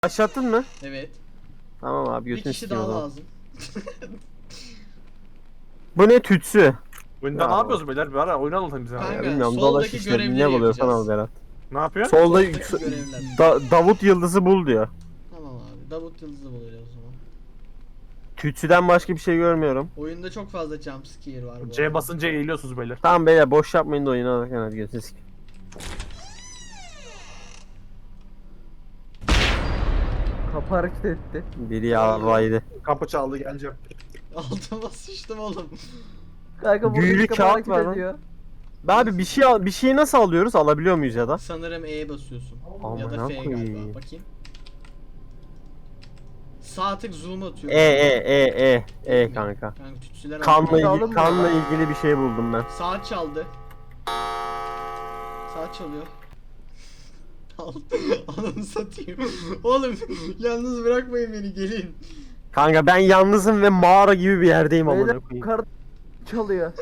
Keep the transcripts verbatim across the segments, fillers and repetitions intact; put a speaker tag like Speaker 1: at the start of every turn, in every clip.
Speaker 1: Başlattın mı?
Speaker 2: Evet.
Speaker 1: Tamam abi,
Speaker 2: Bir
Speaker 1: götünü
Speaker 2: kişi
Speaker 1: sikeyim o
Speaker 2: daha
Speaker 1: zaman.
Speaker 2: lazım.
Speaker 1: Bu ne tütsü?
Speaker 3: Oyunda
Speaker 1: Ya.
Speaker 3: ne yapıyoruz beyler? Bir ara oyun anlatın bize.
Speaker 2: Kanka,
Speaker 1: Ya bilmiyorum,
Speaker 2: soldaki
Speaker 1: dolaş işte,
Speaker 2: görevleri
Speaker 1: ne buluyorsan
Speaker 2: yapacağız.
Speaker 1: al Berat.
Speaker 3: Ne yapıyor?
Speaker 1: Solda
Speaker 2: Soldaki görevler.
Speaker 1: Da- Davut Yıldız'ı bul diyor.
Speaker 2: Tamam abi. Davut Yıldız'ı buluyoruz o zaman.
Speaker 1: Tütsüden başka bir şey görmüyorum.
Speaker 2: Oyunda çok fazla jumpscare var bu
Speaker 3: C
Speaker 2: arada.
Speaker 3: basınca eğiliyorsunuz beyler.
Speaker 1: Tamam beyler, boş yapmayın da oyunu alırken hadi götünü sikeyim.
Speaker 4: Kapı hareket etti.
Speaker 1: Biri yavraydı.
Speaker 3: Kapı çaldı, geleceğim.
Speaker 2: Altıma sıçtım oğlum.
Speaker 4: Kanka burada
Speaker 1: Büyülü
Speaker 4: bir kapı
Speaker 1: kağıt
Speaker 4: hareket
Speaker 1: var lan.
Speaker 4: ediyor.
Speaker 1: Abi bir şey al, bir şeyi nasıl alıyoruz? Alabiliyor muyuz ya da?
Speaker 2: Sanırım E'ye basıyorsun.
Speaker 1: Aman
Speaker 2: ya da F
Speaker 1: koyayım.
Speaker 2: galiba. Bakayım. Sağ tık zoom atıyor.
Speaker 1: E e e e e kanka.
Speaker 2: Kanka tütsüler
Speaker 1: Kanla
Speaker 2: alıyor.
Speaker 4: Aldın
Speaker 1: ilgili,
Speaker 4: mı?
Speaker 1: kanla ilgili bir şey buldum ben.
Speaker 2: Saat çaldı. Saat çalıyor. Al. Ananı satayım. Oğlum yalnız bırakmayın beni, gelin.
Speaker 1: Kanka ben yalnızım ve mağara gibi bir yerdeyim amına
Speaker 4: Beyler
Speaker 1: koyayım.
Speaker 4: kar çalıyor.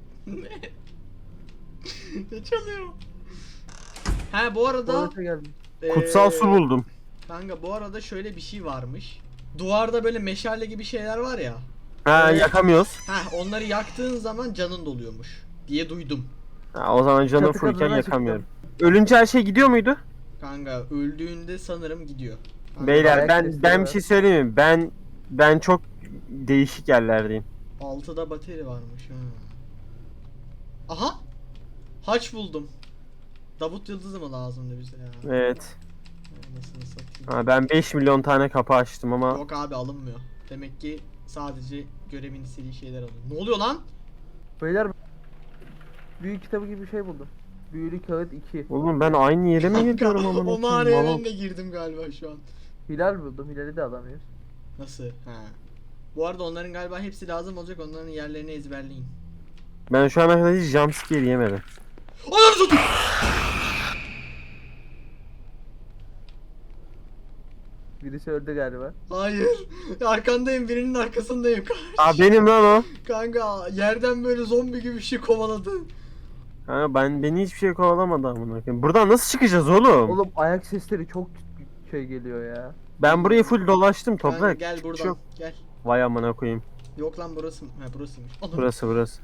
Speaker 2: Ne çalıyor? Ha bu arada
Speaker 4: Tuvalete geldim.
Speaker 1: Kutsal
Speaker 2: eee,
Speaker 1: su buldum.
Speaker 2: Kanka bu arada şöyle bir şey varmış. Duvarda böyle meşale gibi şeyler var ya.
Speaker 1: Ha,
Speaker 2: Evet.
Speaker 1: yakamıyoruz.
Speaker 2: Ha onları yaktığın zaman canın doluyormuş diye duydum.
Speaker 1: Ha, o zaman canım
Speaker 4: Çatı
Speaker 1: fullken
Speaker 4: katına
Speaker 1: yakamıyorum. Ölünce her şey gidiyor muydu?
Speaker 2: Kanka öldüğünde sanırım gidiyor. Kanka,
Speaker 1: Beyler
Speaker 4: ayak
Speaker 1: ben
Speaker 4: sesleri
Speaker 1: ben
Speaker 4: var.
Speaker 1: bir şey söyleyeyim mi? Ben ben çok değişik yerlerdeyim.
Speaker 2: altıda bateri varmış ha. Aha! Haç buldum. Davut Yıldız'ı mı lazımdı bize ya?
Speaker 1: Evet.
Speaker 2: Anasını satayım.
Speaker 1: Ha, ben beş milyon tane kapı açtım ama
Speaker 2: Yok abi, alınmıyor. Demek ki sadece görevin istediği şeyler alıyor. Ne oluyor lan?
Speaker 4: Beyler büyük kitabı gibi bir şey buldum. Büyülü kağıt iki.
Speaker 1: oğlum ben aynı yere mi gidiyorum
Speaker 2: Kanka,
Speaker 1: amına
Speaker 2: o
Speaker 1: koyayım?
Speaker 2: mağaraya
Speaker 1: Malum.
Speaker 2: ben de girdim galiba şu an.
Speaker 4: Hilal buldum. Hilal'i de alamıyoruz.
Speaker 2: Nasıl? Ha. Bu arada onların galiba hepsi lazım olacak. Onların yerlerini ezberleyin.
Speaker 1: Ben şu ana kadar hiç jumpscare yemedim.
Speaker 2: Ananı satayım!
Speaker 4: Birisi öldü galiba.
Speaker 2: Hayır. Arkandayım, birinin arkasındayım.
Speaker 1: Aa benim lan o.
Speaker 2: Kanka yerden böyle zombi gibi bir şey kovaladı.
Speaker 1: Ha, ben beni hiçbir şey kovalamadı amına koyayım. Buradan nasıl çıkacağız oğlum?
Speaker 4: Oğlum ayak sesleri çok şey geliyor ya.
Speaker 1: Ben burayı full dolaştım
Speaker 2: Kanka
Speaker 1: toprak.
Speaker 2: gel
Speaker 1: Hiçbir
Speaker 2: buradan.
Speaker 1: şey yok.
Speaker 2: Gel.
Speaker 1: Vay amına koyayım.
Speaker 2: Yok lan burası mı? Ha burasıymış. Anam.
Speaker 1: Burası burası.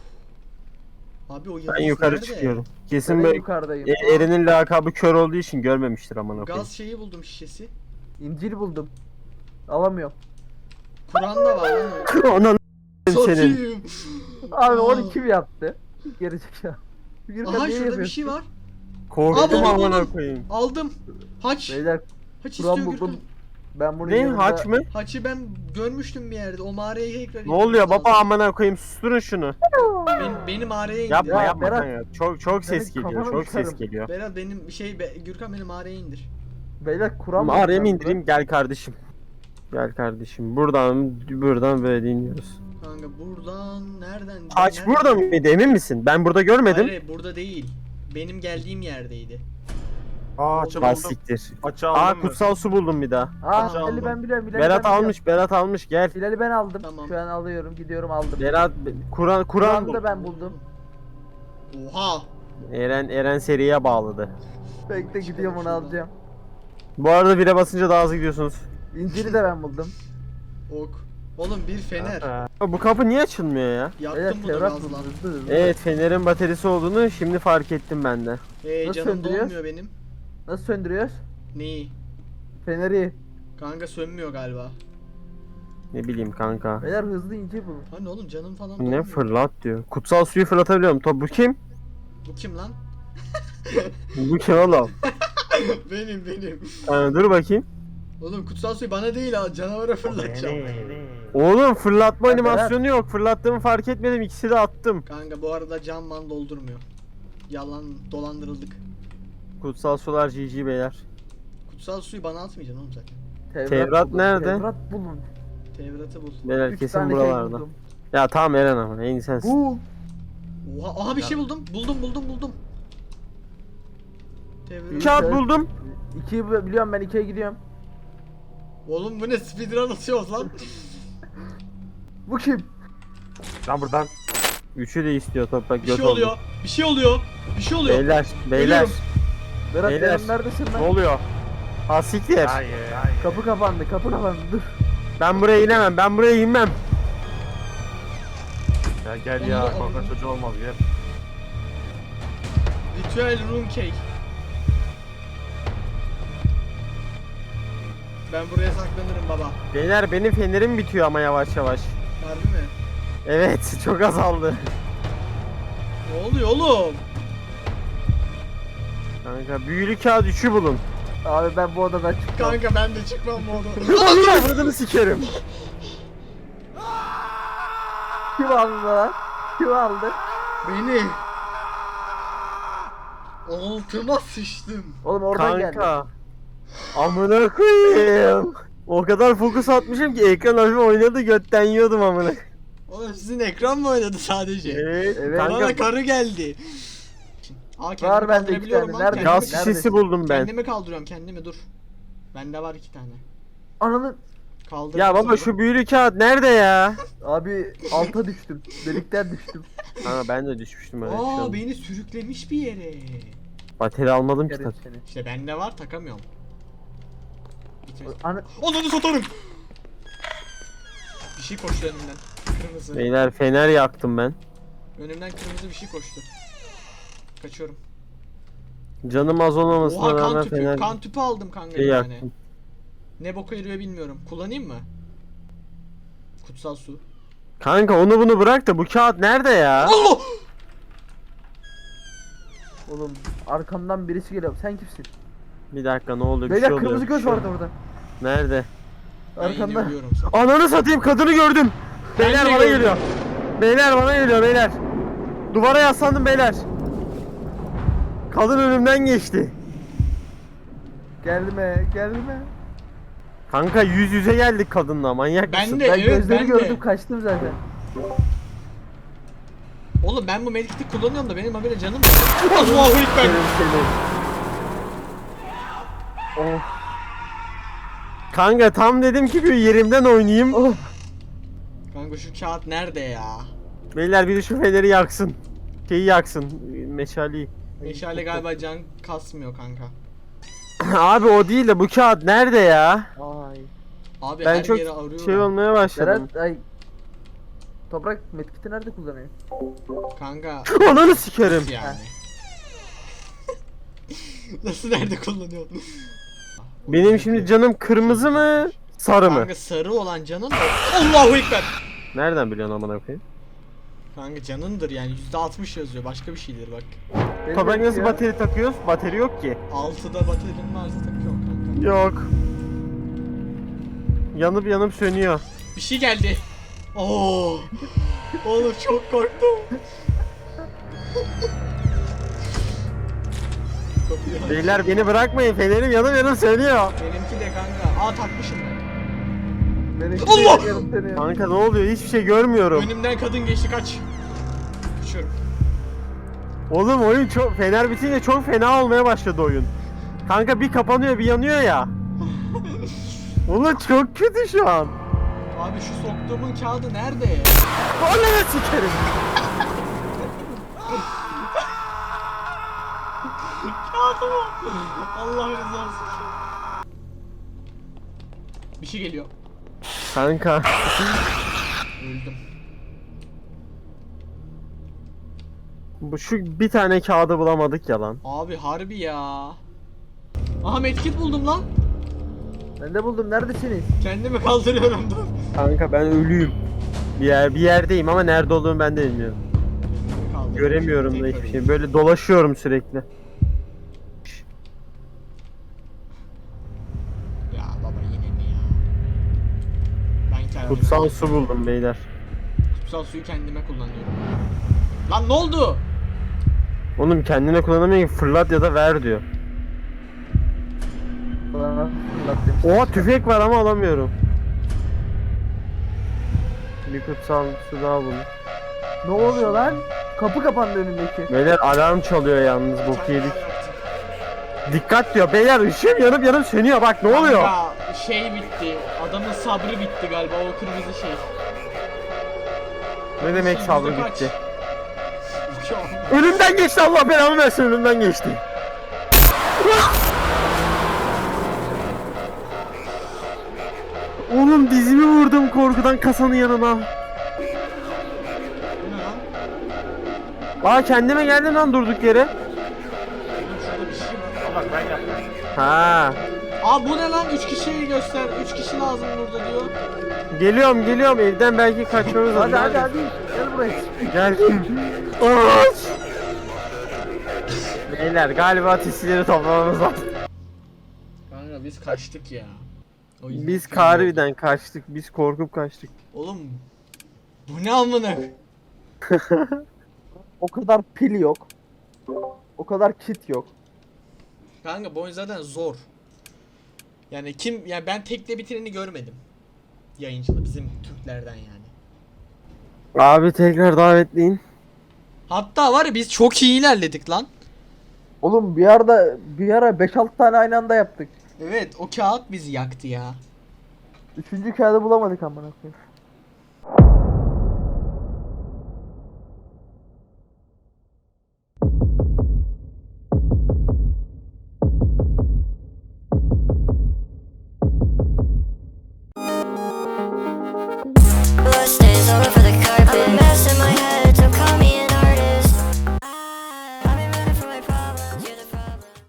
Speaker 2: Abi o
Speaker 1: Ben
Speaker 2: yıldız
Speaker 1: yukarı
Speaker 2: nerede?
Speaker 1: çıkıyorum.
Speaker 4: Ben
Speaker 1: Kesin
Speaker 4: en
Speaker 1: böyle
Speaker 4: yukarıdayım.
Speaker 1: e, Eren'in lakabı kör olduğu için görmemiştir amına koyayım.
Speaker 2: Gaz şeyi buldum, şişesi.
Speaker 4: İncil buldum. Alamıyorum.
Speaker 2: Kur'an da var lan o.
Speaker 1: Anan senin.
Speaker 2: Satayım.
Speaker 4: Abi
Speaker 2: Aa.
Speaker 4: onu kim yaptı? Gerizekalı. Gürkan
Speaker 2: Aha
Speaker 4: niye
Speaker 2: şurada bir
Speaker 4: yapıyorsun?
Speaker 2: şey var.
Speaker 1: Korktum
Speaker 2: Aa,
Speaker 1: amına
Speaker 2: buldum.
Speaker 1: koyayım.
Speaker 2: Aldım. Haç.
Speaker 4: Beyler
Speaker 2: Haç
Speaker 4: Kur'an
Speaker 2: istiyor
Speaker 4: buldum.
Speaker 2: Gürkan.
Speaker 4: Ben bunun
Speaker 1: Ne
Speaker 4: yanında...
Speaker 1: haç mı?
Speaker 2: Haçı ben görmüştüm bir yerde. O mağaraya tekrar
Speaker 1: Ne oluyor
Speaker 2: inmemiz
Speaker 1: baba
Speaker 2: lazım.
Speaker 1: amına koyayım, susturun şunu.
Speaker 2: Ben, beni mağaraya indir.
Speaker 1: Yapma
Speaker 4: Ya
Speaker 1: yapma
Speaker 4: Berat.
Speaker 1: kanka. Çok çok ses
Speaker 4: Berat,
Speaker 1: geliyor.
Speaker 4: kafanı
Speaker 1: Çok ses
Speaker 4: uçarım.
Speaker 1: geliyor.
Speaker 2: Berat benim şey be, Gürkan beni mağaraya indir.
Speaker 4: Beyler Kur'an
Speaker 1: Mağaraya
Speaker 4: buldum
Speaker 1: mı
Speaker 4: ben
Speaker 1: indireyim? Gel kardeşim. Gel kardeşim. Buradan buradan böyle dinliyoruz.
Speaker 2: Kanka buradan nereden?
Speaker 1: Haç
Speaker 2: nereden-
Speaker 1: burada mıydı? Emin misin? Ben burada görmedim.
Speaker 2: Hayır burada değil. Benim geldiğim yerdeydi.
Speaker 3: Aa açı
Speaker 1: Bas
Speaker 3: buldum.
Speaker 1: siktir.
Speaker 3: Açı
Speaker 1: Aa
Speaker 3: aldım ben.
Speaker 1: kutsal su buldum bir daha.
Speaker 4: Aa
Speaker 3: Hacı
Speaker 4: Hilal'i
Speaker 3: aldım.
Speaker 4: ben biliyorum. Hilal'i
Speaker 1: Berat
Speaker 4: ben biliyorum.
Speaker 1: almış, Berat almış gel.
Speaker 4: Hilal'i ben aldım.
Speaker 2: Tamam.
Speaker 4: Şu an alıyorum. Gidiyorum aldım.
Speaker 1: Berat Kur'an Kur'an
Speaker 4: Kur'an'ı
Speaker 1: bul.
Speaker 4: da ben buldum.
Speaker 2: Oha!
Speaker 1: Eren Eren seriye bağladı.
Speaker 4: Bekle gidiyorum onu alacağım.
Speaker 1: Bu arada bire basınca daha hızlı gidiyorsunuz.
Speaker 4: İncil'i de ben buldum.
Speaker 2: Ok. Oğlum bir fener.
Speaker 3: Ha.
Speaker 1: Bu kapı niye açılmıyor ya?
Speaker 4: Beyler
Speaker 2: Yaktım bunu
Speaker 4: Tevrat
Speaker 2: gazla.
Speaker 4: buldum. Hızlı hızlı.
Speaker 1: Evet, fenerin bataryası olduğunu şimdi fark ettim ben de.
Speaker 2: Hey
Speaker 4: Nasıl
Speaker 2: canım
Speaker 4: söndürüyor?
Speaker 2: dolmuyor benim.
Speaker 4: Nasıl söndürüyoruz?
Speaker 2: Neyi?
Speaker 4: Feneri.
Speaker 2: Kanka sönmüyor galiba.
Speaker 1: Ne bileyim kanka.
Speaker 4: Beyler hızlı incil bulun.
Speaker 2: Hani oğlum canım falan
Speaker 1: Ne
Speaker 2: dolmuyor.
Speaker 1: fırlat diyor. Kutsal suyu fırlatabiliyorum. Top bu kim?
Speaker 2: Bu kim lan?
Speaker 1: Bu kim oğlum?
Speaker 2: benim benim.
Speaker 1: Ha, dur bakayım.
Speaker 2: Oğlum kutsal suyu bana değil ha, canavara fırlatacağım.
Speaker 1: Oğlum fırlatma
Speaker 4: Ya
Speaker 1: animasyonu yok. Fırlattığımı fark etmedim. İkisi de attım.
Speaker 2: Kanka bu arada can man doldurmuyor. Yalan, dolandırıldık.
Speaker 1: Kutsal sular G G beyler.
Speaker 2: Kutsal suyu bana atmayacaksın oğlum zaten.
Speaker 1: Tevrat
Speaker 4: bulun,
Speaker 1: nerede?
Speaker 4: Tevrat bulun.
Speaker 2: Tevrat'ı bul.
Speaker 1: Beyler
Speaker 4: Üç
Speaker 1: kesin
Speaker 4: tane şey
Speaker 1: buralarda.
Speaker 4: buldum.
Speaker 1: Ya tamam Eren ama en iyi sensin.
Speaker 4: Bul.
Speaker 2: Oha, aha bir şey buldum. Buldum buldum buldum. Tevrat.
Speaker 1: Kağıt buldum.
Speaker 4: İkiyi bi- biliyorum ben ikiye gidiyorum.
Speaker 2: Oğlum bu ne, speedrun atıyoruz lan.
Speaker 4: Bu kim?
Speaker 3: Lan buradan.
Speaker 1: Üçü de istiyor toprak
Speaker 2: Bir
Speaker 1: göt
Speaker 2: şey
Speaker 1: oldu.
Speaker 2: oluyor. Bir şey oluyor. Bir şey oluyor.
Speaker 1: Beyler, beyler.
Speaker 2: Geliyorum.
Speaker 4: Berat
Speaker 1: Beyler.
Speaker 4: Eren neredesin
Speaker 3: Ne
Speaker 4: lan?
Speaker 3: oluyor?
Speaker 1: Ha siktir.
Speaker 3: Hayır. Hayır.
Speaker 4: Kapı kapandı, kapı kapandı. Dur.
Speaker 1: Ben buraya inemem. Ben buraya inmem.
Speaker 3: Ya gel ya. Korkak çocuğu olmaz gel.
Speaker 2: Ritüel room cake. Ben buraya saklanırım baba.
Speaker 1: Beyler benim fenerim bitiyor ama yavaş yavaş.
Speaker 2: Harbi mi?
Speaker 1: Evet çok azaldı.
Speaker 2: Ne oluyor oğlum?
Speaker 1: Kanka büyülü kağıt üçü bulun.
Speaker 4: Abi ben bu odadan çıkmam.
Speaker 2: Kanka ben de çıkmam bu odadan.
Speaker 1: Onun avradını sikerim.
Speaker 4: Kim aldı lan? Kim aldı?
Speaker 2: Beni. Altıma sıçtım.
Speaker 4: Oğlum oradan geldi.
Speaker 1: Kanka. Amına koyayım. O kadar fokus atmışım ki ekran hafif oynadı götten yiyordum amına.
Speaker 2: Oğlum sizin ekran mı oynadı sadece?
Speaker 1: Evet.
Speaker 4: Evet.
Speaker 2: Bana
Speaker 1: Kanka
Speaker 2: karı geldi. Aa kendimi
Speaker 4: Var bende iki
Speaker 2: kaldırabiliyorum
Speaker 4: tane.
Speaker 2: lan.
Speaker 4: Nerede?
Speaker 2: Kendimi,
Speaker 1: gaz şişesi buldum ben.
Speaker 2: kendimi kaldırıyorum kendimi dur. Bende var iki tane.
Speaker 4: Ananı...
Speaker 2: Kaldır.
Speaker 1: Ya baba şu büyülü kağıt nerede ya?
Speaker 4: Abi alta düştüm. Delikten düştüm.
Speaker 1: Ha ben de düşmüştüm öyle bir şey
Speaker 2: Aa
Speaker 1: oldu.
Speaker 2: beni sürüklemiş bir yere.
Speaker 1: Bateri almadım ki
Speaker 4: Yerim
Speaker 1: tabii.
Speaker 4: seni.
Speaker 2: İşte bende var takamıyorum. Bitir.
Speaker 4: Ana...
Speaker 2: Onunu satarım. Bir şey koştu önümden. Kırmızı.
Speaker 1: Beyler fener yaktım ben.
Speaker 2: Önümden kırmızı bir şey koştu. Kaçıyorum.
Speaker 1: Canım az olmamasına
Speaker 2: Oha kan
Speaker 1: rağmen
Speaker 2: tüpü.
Speaker 1: fener
Speaker 2: Kan tüpü aldım kanka
Speaker 1: şey
Speaker 2: bir tane.
Speaker 1: yaktım.
Speaker 2: Ne boka yarıyor bilmiyorum. Kullanayım mı? Kutsal su.
Speaker 1: Kanka onu bunu bırak da bu kağıt nerede ya?
Speaker 2: Allah!
Speaker 4: Oğlum arkamdan birisi geliyor. Sen kimsin?
Speaker 1: Bir dakika ne oldu bir
Speaker 4: Beyler
Speaker 1: şey oluyor.
Speaker 4: kırmızı
Speaker 1: bir
Speaker 4: göz
Speaker 1: şey
Speaker 4: vardı
Speaker 1: oluyor.
Speaker 4: orada.
Speaker 1: Nerede?
Speaker 2: Ben yine
Speaker 4: Arkanda.
Speaker 2: ölüyorum sana.
Speaker 1: Ananı satayım kadını gördüm. Beyler
Speaker 2: de
Speaker 1: bana
Speaker 2: gördüm.
Speaker 1: geliyor. Beyler bana geliyor beyler. Duvara yaslandım beyler. Kadın önümden geçti.
Speaker 4: Gelme, gelme.
Speaker 1: Kanka yüz yüze geldik kadınla manyak
Speaker 2: Ben
Speaker 1: mısın?
Speaker 2: de-
Speaker 4: Ben
Speaker 2: evet,
Speaker 4: gözleri
Speaker 2: ben de.
Speaker 4: gördüm kaçtım zaten.
Speaker 2: Oğlum ben bu medkiti kullanıyorum da benim habire canım var. Allahu ekber.
Speaker 1: Senin seni.
Speaker 4: Oh,
Speaker 1: Kanka tam dedim ki bir yerimden oynayayım.
Speaker 4: oh.
Speaker 2: Kanka şu kağıt nerede ya?
Speaker 1: Beyler biri şu feneri yaksın. Şeyi yaksın. Meşaleyi.
Speaker 2: Meşale galiba can kasmıyor kanka.
Speaker 1: Abi o değil de bu kağıt nerede ya?
Speaker 4: Ay.
Speaker 2: Abi
Speaker 1: Ben
Speaker 2: her
Speaker 1: çok
Speaker 2: yeri arıyorum.
Speaker 1: şey olmaya başladım.
Speaker 4: Berat, ay. Toprak medkiti nerede kullanıyor?
Speaker 2: Kanka
Speaker 1: Ananı sikerim.
Speaker 2: nasıl yani? Nasıl nerede kullanıyorsun?
Speaker 1: Benim şimdi canım kırmızı mı? Sarı mı?
Speaker 2: Kanka sarı olan canın da Allahu ekber.
Speaker 1: Nereden biliyorsun amına koyayım?
Speaker 2: Kanka canındır yani yüzde altmış yazıyor başka bir şeydir bak.
Speaker 4: Benim
Speaker 1: Toprak nasıl
Speaker 4: ya.
Speaker 1: bateri takıyoruz? Bateri yok ki.
Speaker 2: altıda baterin varsa takıyorum kanka.
Speaker 1: Yok. Yanıp yanıp sönüyor.
Speaker 2: Bir şey geldi. Oo. Oğlum çok korktum. Kapıyı aç.
Speaker 1: Beyler beni bırakmayın. Fenerim yanıp yanıp sönüyor.
Speaker 2: Benimki de kanka. Aa takmışım ben.
Speaker 4: Benimki
Speaker 2: Allah!
Speaker 4: de yarım seni ya.
Speaker 1: Kanka ne oluyor? Hiçbir şey görmüyorum.
Speaker 2: Önümden kadın geçti kaç. Kaçıyorum.
Speaker 1: Oğlum oyun çok fener bitince çok fena olmaya başladı oyun. Kanka bir kapanıyor bir yanıyor ya. Oğlum çok kötü şu an.
Speaker 2: Abi şu soktuğumun kağıdı nerede?
Speaker 1: Ananı sikerim.
Speaker 2: Kağıdı mı? Allah rızası için. Bir şey geliyor.
Speaker 1: Kanka.
Speaker 2: Öldüm.
Speaker 1: Bu şu bir tane kağıdı bulamadık ya lan.
Speaker 2: Abi harbi ya. Aha medkit buldum lan.
Speaker 4: Ben de buldum. Neredesiniz?
Speaker 2: Kendimi kaldırıyorum dur.
Speaker 1: Kanka ben ölüyüm. Bir yer bir yerdeyim ama nerede olduğumu ben de bilmiyorum.
Speaker 2: Kendimi kaldırıyorum.
Speaker 1: Göremiyorum da
Speaker 2: Tekrar
Speaker 1: hiçbir
Speaker 2: öleyim.
Speaker 1: şey. Böyle dolaşıyorum sürekli.
Speaker 2: Ya baba yine mi ya? Ben kendime
Speaker 1: Kutsal su buldum beyler.
Speaker 2: kutsal suyu kendime kullanıyorum. Lan ne oldu?
Speaker 1: Oğlum kendine kullanamıyor ki fırlat ya da ver diyor.
Speaker 4: Bana fırlat demiş.
Speaker 1: Oha tüfek var ama alamıyorum. Bir kutsal su daha buldum.
Speaker 4: Ne oluyor lan? Kapı kapandı önündeki.
Speaker 1: Beyler alarm çalıyor yalnız bok
Speaker 2: Çay
Speaker 1: yedik.
Speaker 2: var yaktım.
Speaker 1: Dikkat diyor beyler ışığım yanıp yanıp sönüyor bak ne oluyor?
Speaker 2: Kanka, şey bitti. Adamın sabrı bitti galiba o kırmızı şey.
Speaker 1: Ne demek
Speaker 2: Yüzde
Speaker 1: sabrı
Speaker 2: kaç?
Speaker 1: bitti?
Speaker 2: Şu an-
Speaker 1: Önümden geçti Allah belamı versin önümden geçti. Oğlum dizimi vurdum korkudan kasanın yanına.
Speaker 2: Bu ne lan?
Speaker 1: Aa kendime geldim lan durduk yere.
Speaker 2: Oğlum şurada bir şey var.
Speaker 3: Bak ben yaptım.
Speaker 1: Ha.
Speaker 2: Aa bu ne lan? üç kişiyi göster. üç kişi lazım burada diyor.
Speaker 1: Geliyorum geliyorum evden belki kaçmamız lazım.
Speaker 4: Hadi hadi hadi. Gel buraya.
Speaker 1: Geldim. Aç. Beyler galiba tesileri toplamamız lazım.
Speaker 2: Kanka biz kaçtık ya. O yüzden
Speaker 1: Biz
Speaker 2: fena oldu.
Speaker 1: harbiden kaçtık. Biz korkup kaçtık.
Speaker 2: Oğlum bu ne amına?
Speaker 4: O kadar pil yok. O kadar kit yok.
Speaker 2: Kanka bu oyun zaten zor. Yani kim yani ben tekle bitireni görmedim. Yayıncıda bizim Türklerden yani.
Speaker 1: Abi tekrar davetleyin.
Speaker 2: Hatta var ya biz çok iyi ilerledik lan.
Speaker 4: Oğlum bir arada bir ara beş altı tane aynı anda yaptık.
Speaker 2: Evet o kağıt bizi yaktı ya.
Speaker 4: Üçüncü kağıdı bulamadık amına koyayım.